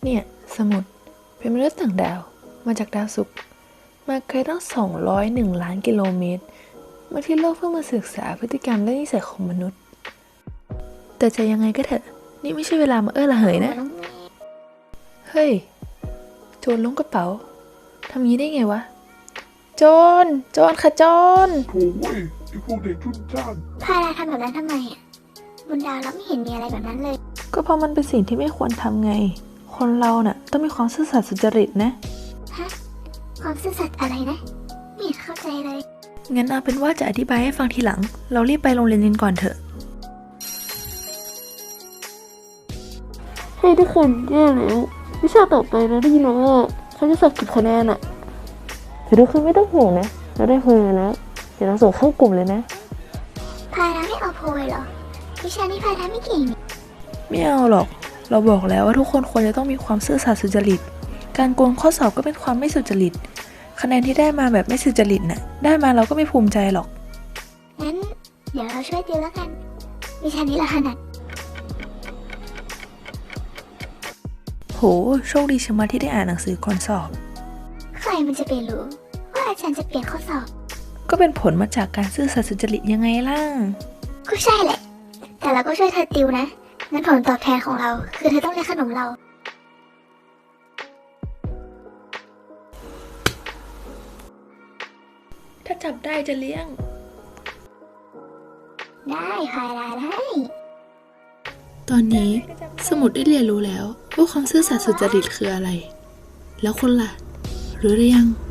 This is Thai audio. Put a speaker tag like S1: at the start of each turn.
S1: เนี่ยสมุดเป็นมนุษย์ต่างดาวมาจากดาวศุกร์มาไกลตั้ง201 ล้านกิโลเมตรมาที่โลกเพื่อมาศึกษาพฤติกรรมและนิสัยของมนุษย์แต่จะยังไงก็เถอะนี่ไม่ใช่เวลามาระเหยนะเฮ้ยโจรล้วงกระเป๋าทำงี้ได้ไงวะโจรค่ะโจร
S2: โถ่เว้ยไอ้พวกเด็กทุนจ้าง
S3: พาราทำแบบนั้นทำไมอ่ะบนดาวเราไม่เห็นมีอะไรแบบนั้นเลย
S1: ก็เพราะมันเป็นสิ่งที่ไม่ควรทำไงคนเราน่ะต้องมีความซื่อสัตย์สุจริตนะ
S3: ฮะ ความซื่อสัตย์อะไรนะ ไม่เห็นเข้าใจเลย
S1: งั้นเอาเป็นว่าจะอธิบายให้ฟังทีหลังเรารีบไปโรงเรียนกันก่อนเถอะ
S4: ให้ทุกคนแย่แล้ววิชาต่อไปนะได้ยินมาว่าเขาจะสอบเก็บคะแนนอะแต่ทุกคนไม่ต้องห่วงนะเราได้คะแนนแล้วเดี๋ยวเราส่งเข้ากลุ่มเลยนะ
S3: พาราไม่เอาโพยเหรอ วิชานี้พาราไม่เก่งนี่
S1: ไม่เอาหรอกเราบอกแล้วว่าทุกคนควรจะต้องมีความซื่อสัตย์สุจริตการโกงข้อสอบก็เป็นความไม่สุจริตคะแนนที่ได้มาแบบไม่สุจริตน่ะได้มาเราก็ไม่ภูมิใจหรอก
S3: งั้น เดี๋ยวเราช่วยติวแล้วกัน วิชานี้เราถนัด
S1: โหโชคดีชะมัดที่ได้อ่านหนังสือก่อนสอบ
S3: ใครมันจะไปรู้ว่าอาจารย์จะเปลี่ยนข้อสอบ
S1: ก็เป็นผลมาจากการซื่อสัตย์สุจริตยังไงล่ะ
S3: ก็ใช่แหละ แต่เราก็ช่วยเธอติวนะ งั้นผลตอบแทนของเรา คือเธอต้องเลี้ยงขนมเรา
S1: ถ้าจับได้จะเลี้ยง
S3: ได้พาราได้
S1: ตอนนี้สมุดได้เรียนรู้แล้วว่าความซื่อสัตย์สุจริตคืออะไร แล้วคุณล่ะรู้หรือยัง